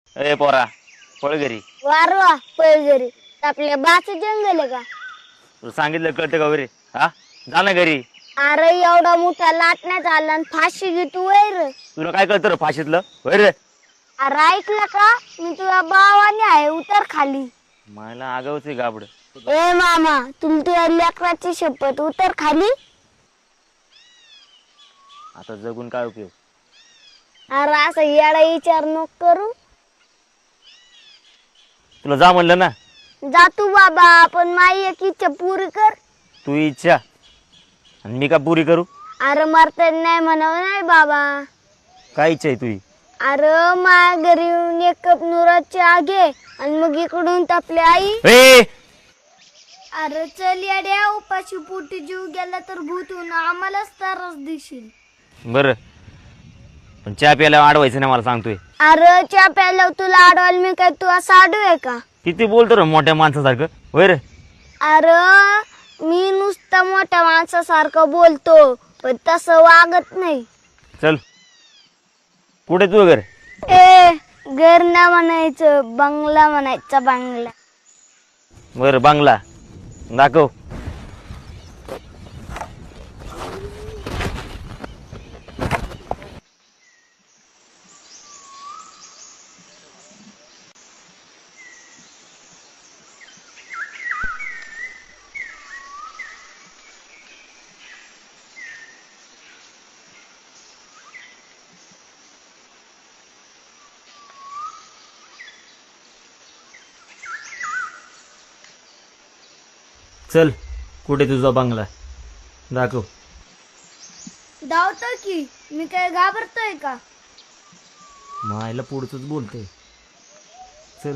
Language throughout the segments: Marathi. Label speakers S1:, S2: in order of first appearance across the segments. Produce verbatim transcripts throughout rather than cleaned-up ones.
S1: ए पोरा पळ घरी.
S2: वारवा पैजरी आपल्या बाच जंगल आहे का?
S1: तुला सांगितलं कळतं का रे? हा जा ना घरी.
S2: अरे एवढा मोठा लाटण्यात आला आणि फाशी घेतो वैर.
S1: तुला काय कळतं रे फाशीतलं होय रे?
S2: अरे ऐकलं का मी तुझ्या भावाने आहे उतर खाली.
S1: मला आगावच आहे गाबड.
S2: ए मामा तुला तुझ्या लेकराची शपथ उतर खाली.
S1: आता जगून काय उपयोग?
S2: अरे असं येडा विचार नको करू.
S1: तुला जा म्हणलं ना.
S2: जा तू बाबा पण माई एक इच्छा पुरी कर.
S1: तू इच्छा आणि मी का पुरी करू?
S2: अरे मरता नाही म्हणाव नाही बाबा.
S1: काय इच्छा आहे तुझी?
S2: अरे माझ्या घरी येऊन एक कप नुराची आगे आणि मग इकडून आपली आई.
S1: ए
S2: अरे चल येड्या उपाशी पोटी जीव गेला तर भूतून आम्हालाच त्रास देशील.
S1: बर पण चहा प्यायला अडवायचं नाही मला सांगतोय.
S2: अरे चहा प्यायला तुला आडवाल मी काय तू असं आडू आहे का?
S1: किती बोलतो रे मोठ्या माणसासारखं होय रे?
S2: अरे मी नुसतं मोठ्या माणसासारखं बोलतो पण तसं वागत नाही.
S1: चल कुठे तू घर?
S2: ए घर ना म्हणायचं बंगला म्हणायचा बंगला.
S1: बर बांगला दाखव. चल कुठे तुझा बंगला दाखव.
S2: धावतो की मी काय घाबरतोय का?
S1: मायला पुढचंच बोलतोय. चल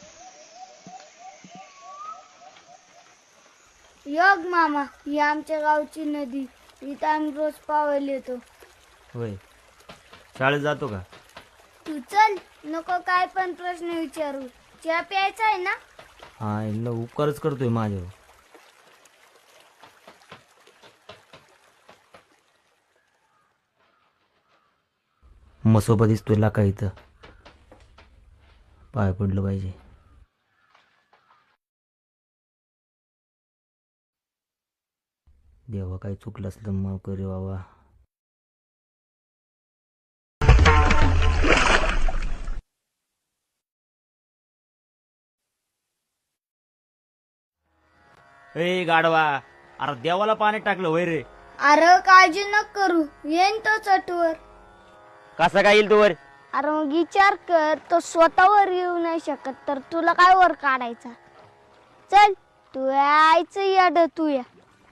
S2: योग मामा ही आमच्या गावची नदी इथं आम्ही रोज पावायला येतो.
S1: होय शाळेत जातो का?
S2: तू चल नको काय पण प्रश्न विचारू. चहा प्यायचा आहे ना?
S1: हा यांना उपकारच करतोय माझ्यावर. मसोबा दिसतोय लाका इथं पाय पडलं पाहिजे. देवा काही चुकलं असलं माफ करे बाबा. ए गाडवा अरे देवाला पाणी टाकलं होय रे?
S2: अरे काळजी न करू येईन तो चटवर.
S1: कसा काय येईल तू वर?
S2: अरे मग विचार कर तो स्वतःवर येऊ नाही शकत तर तुला काय वर काढायचा. चल तू यायचं याड तू या.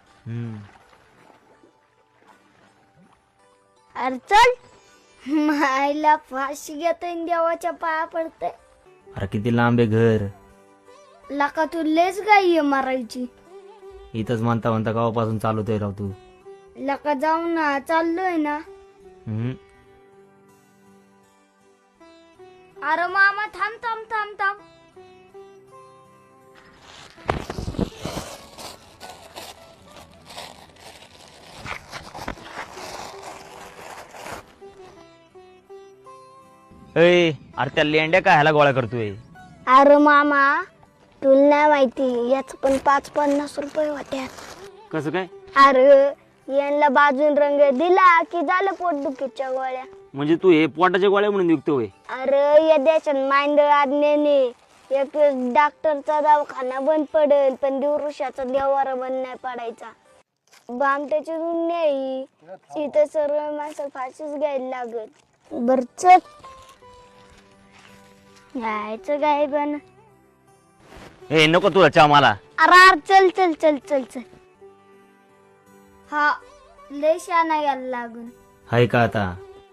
S2: अरे चल मायला फाशी घेतोय देवाच्या पाया पडते.
S1: अरे किती लांब आहे घर?
S2: लका तू लेच गाई मारायची.
S1: इथंच म्हणता म्हणता गावापासून चालवतोय राव तू.
S2: लका जाऊ ना चाललोय ना.
S1: हम्म
S2: अरे मामा थांब थांब थांब थांब.
S1: ए अरे त्या लेंड्या काय ह्याला गोळा करतोय?
S2: अरे मामा तुला नाही माहिती याच पण पाच पन्नास रुपये होत्या.
S1: कसं काय?
S2: अरे यांना बाजून रंग दिला की झालं पोटदुखीच्या गोळ्या.
S1: म्हणजे तू हे पोटाच्या गोळ्या म्हणून विकतोय?
S2: अरे या देशात मांडळ आज्ञेने एक डॉक्टरचा दवाखाना बंद पडेल पण दिवृषाचा देवारा बंद नाही पडायचा. बामट्याची दुनिया इथं सर्व माणसं फाशीच घ्यायला लागत. बर चल यायचं काय पण.
S1: ए नको तुला चहा मला.
S2: अरे अरे चल चल चल चल चल. हा लय शाना यायला लागून.
S1: हाय का आता?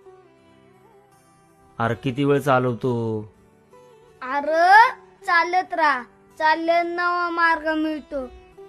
S1: अरे किती वेळ चालवतो?
S2: अरे चालत राहा चालत नवा मार्ग मिळतो.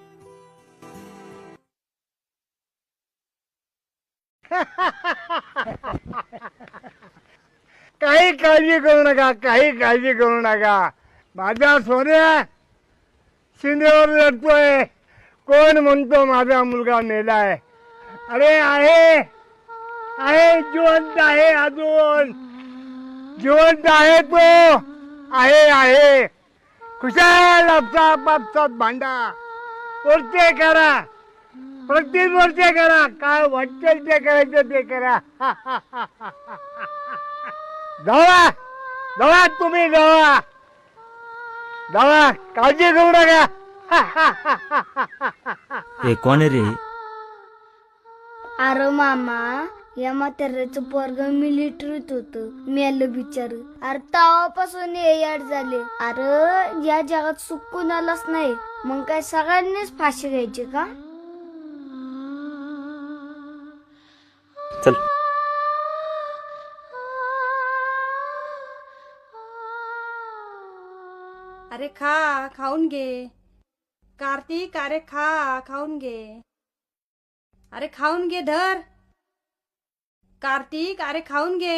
S3: काही काळजी करू नका, काही काळजी करू नका. माझा सोन्या शिंदेवर लढतोय. कोण म्हणतो माझा मुलगा मेलाय? अरे आहे आहे जिवंत आहे, अजून जिवंत आहे तो. आहे आहे खुशाल आपसा पापसात भांडा वरचे करा प्रत्येक वरचे करा काय वाटेल ते करायचं ते करा जावा जावा तुम्ही जावा जावा काळजी करू नका
S1: हे कोण आहे रे?
S2: अरे मामा या म्हाताऱ्याचं पोरग मिलिटरीत होत मेलं बिचार. अरे तेव्हापासून हे याड झाले. अरे या जगात सुख कुणालाच नाही मग काय सगळ्यांनीच फाशी घ्यायची का?
S1: चल
S4: अरे खा खाऊन घे कार्तिक. अरे खा खाऊन घे. अरे खाऊन घे धर कार्तिक. अरे खाऊन घे.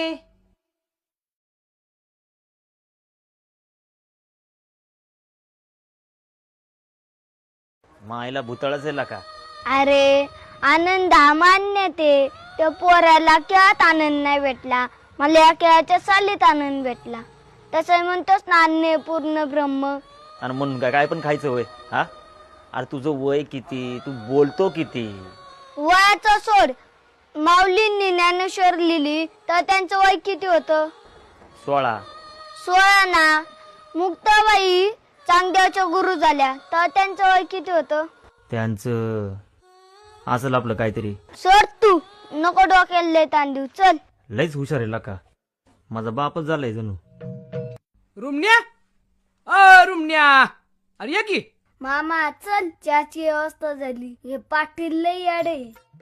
S1: मायला भूतळच आहे का?
S2: अरे आनंद हा मान्य ते त्या पोराला खेळात आनंद नाही भेटला मला या खेळाच्या सालीत आनंद भेटला. तसं म्हणतोस ना अन्य पूर्ण ब्रह्म.
S1: आणि म्हणून काय काय पण खायचं वय हा? अरे तुझं वय किती? तू बोलतो किती?
S2: वयाचं सोड. माऊलींनी ज्ञानेश्वर लिहिली तर त्यांचं वय किती होतं?
S1: सोळा.
S2: सोळा ना. मुक्ताबाई चांगदेवच्या गुरु झाल्या तर त्यांचं वय किती होतं?
S1: त्यांचं असेल आपलं काहीतरी.
S2: सोड तू नको डोक्याला लय ताण देऊ. चल.
S1: लयच हुशार आहे का? माझा बापच झालाय जणू.
S5: रुमण्या अ रुमण्या अरे ये की.
S2: मामा चल चहाची व्यवस्था झाली. हे पाटील लय याडे.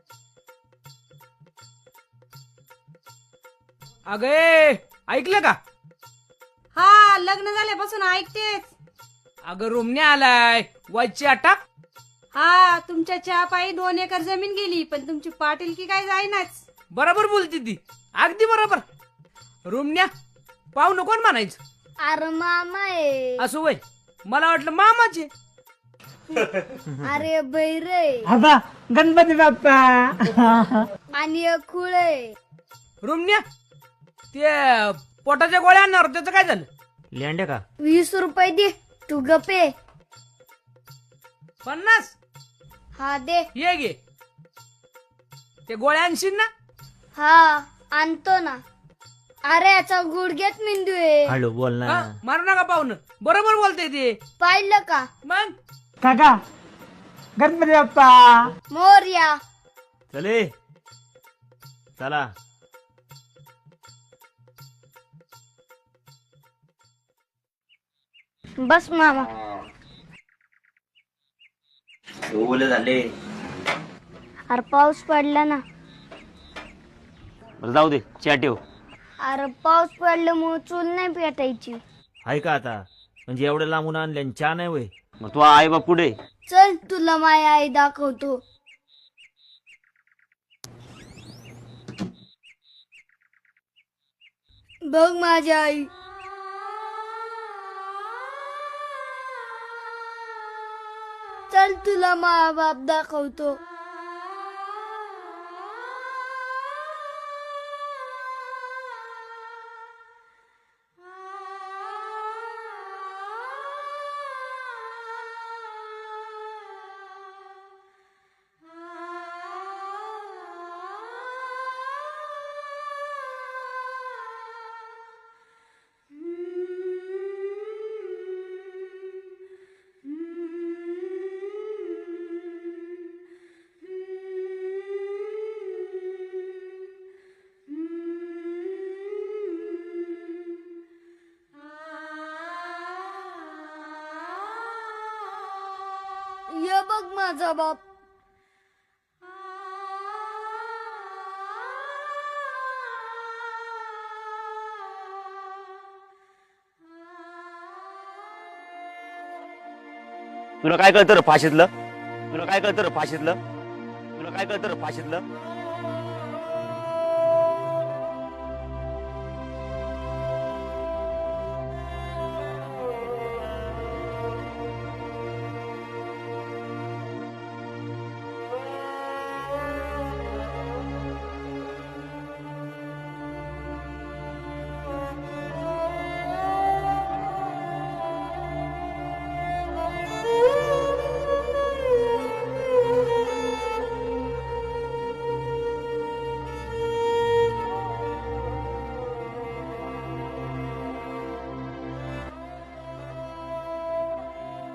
S5: अगे ऐकलं का?
S4: हा लग्न झाल्यापासून ऐकतेच.
S5: अगं रुमण्या आलाय वाजची अटक.
S4: हा तुमच्या चहा पायी दोन एकर जमीन गेली पण तुमची पाटीलकी काय जाईनाच.
S5: बरोबर बोलती ती अगदी बरोबर. रुमण्या पाहू नको म्हणायचं.
S2: अरे मामा आहे.
S5: असं वय मला वाटलं मामाचे.
S2: अरे बैरे
S3: आता गणपती बाप्पा
S2: आणि एक खुळ आहे.
S5: रुमण्या ते पोटाच्या गोळ्या आणणार त्याचं काय झालं?
S1: लेंड्या का?
S2: वीस रुपये दे तू गपे.
S5: पन्नास
S2: हा दे.
S5: ये गे ते गोळ्या आणशील ना?
S2: हा आणतो ना. अरे याचा गुडघ्यात मेंदू आहे.
S1: हळू बोल ना.
S5: हा, मारू नका पाहुणं. बरोबर बोलते ते.
S2: पाहिलं का?
S5: मग
S3: काका गणपती बाप्पा
S2: मोरया.
S1: चले चला.
S2: बस मामा.
S1: ओले झाले.
S2: अरे पाऊस पडला ना.
S1: बरं जाऊ दे चहा ठेव.
S2: अरे पाऊस पडल्यामुळे चूल नाही पेटायची.
S1: आहे का आता? म्हणजे एवढं लांबून आणले चहा नाही वय? मग तू आई बा पुढे.
S2: चल तुला माय आई दाखवतो. बघ माझी आई. चल तुला मा बाप दाखवतो. ये बघ माझा बाप.
S1: तुला काय कळतं रे फाशीतलं? तुला काय कळतं रे फाशीतलं? तुला काय कळतं रे फाशीतलं?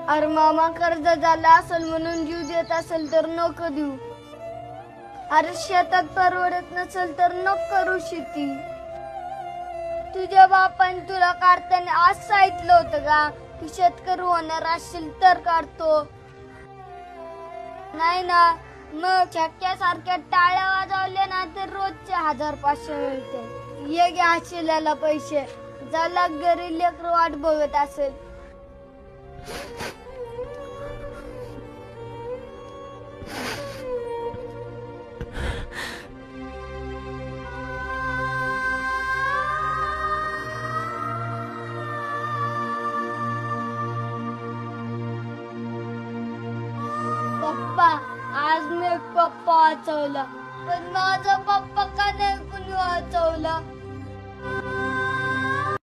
S2: अरे मामा कर्ज झाला असेल म्हणून जीव देत असेल तर नको देऊ. अरे शेतात परवडत नसेल तर नको करू शेती. तुझ्या बापाने तुला काढताना आज सांगितलं होतं का की शेतकरी होणार असेल तर काढतो, नाही ना? मग छक्क्यासारख्या टाळ्या वाजवल्या ना तर रोजचे हजार पाचशे मिळते. ये घ्या शिल्याला पैसे, ज्याला घरी लेकरं वाट बघत असेल. पप्पा, आज मी पप्पा वाचवला, पण माझा पप्पा का नाही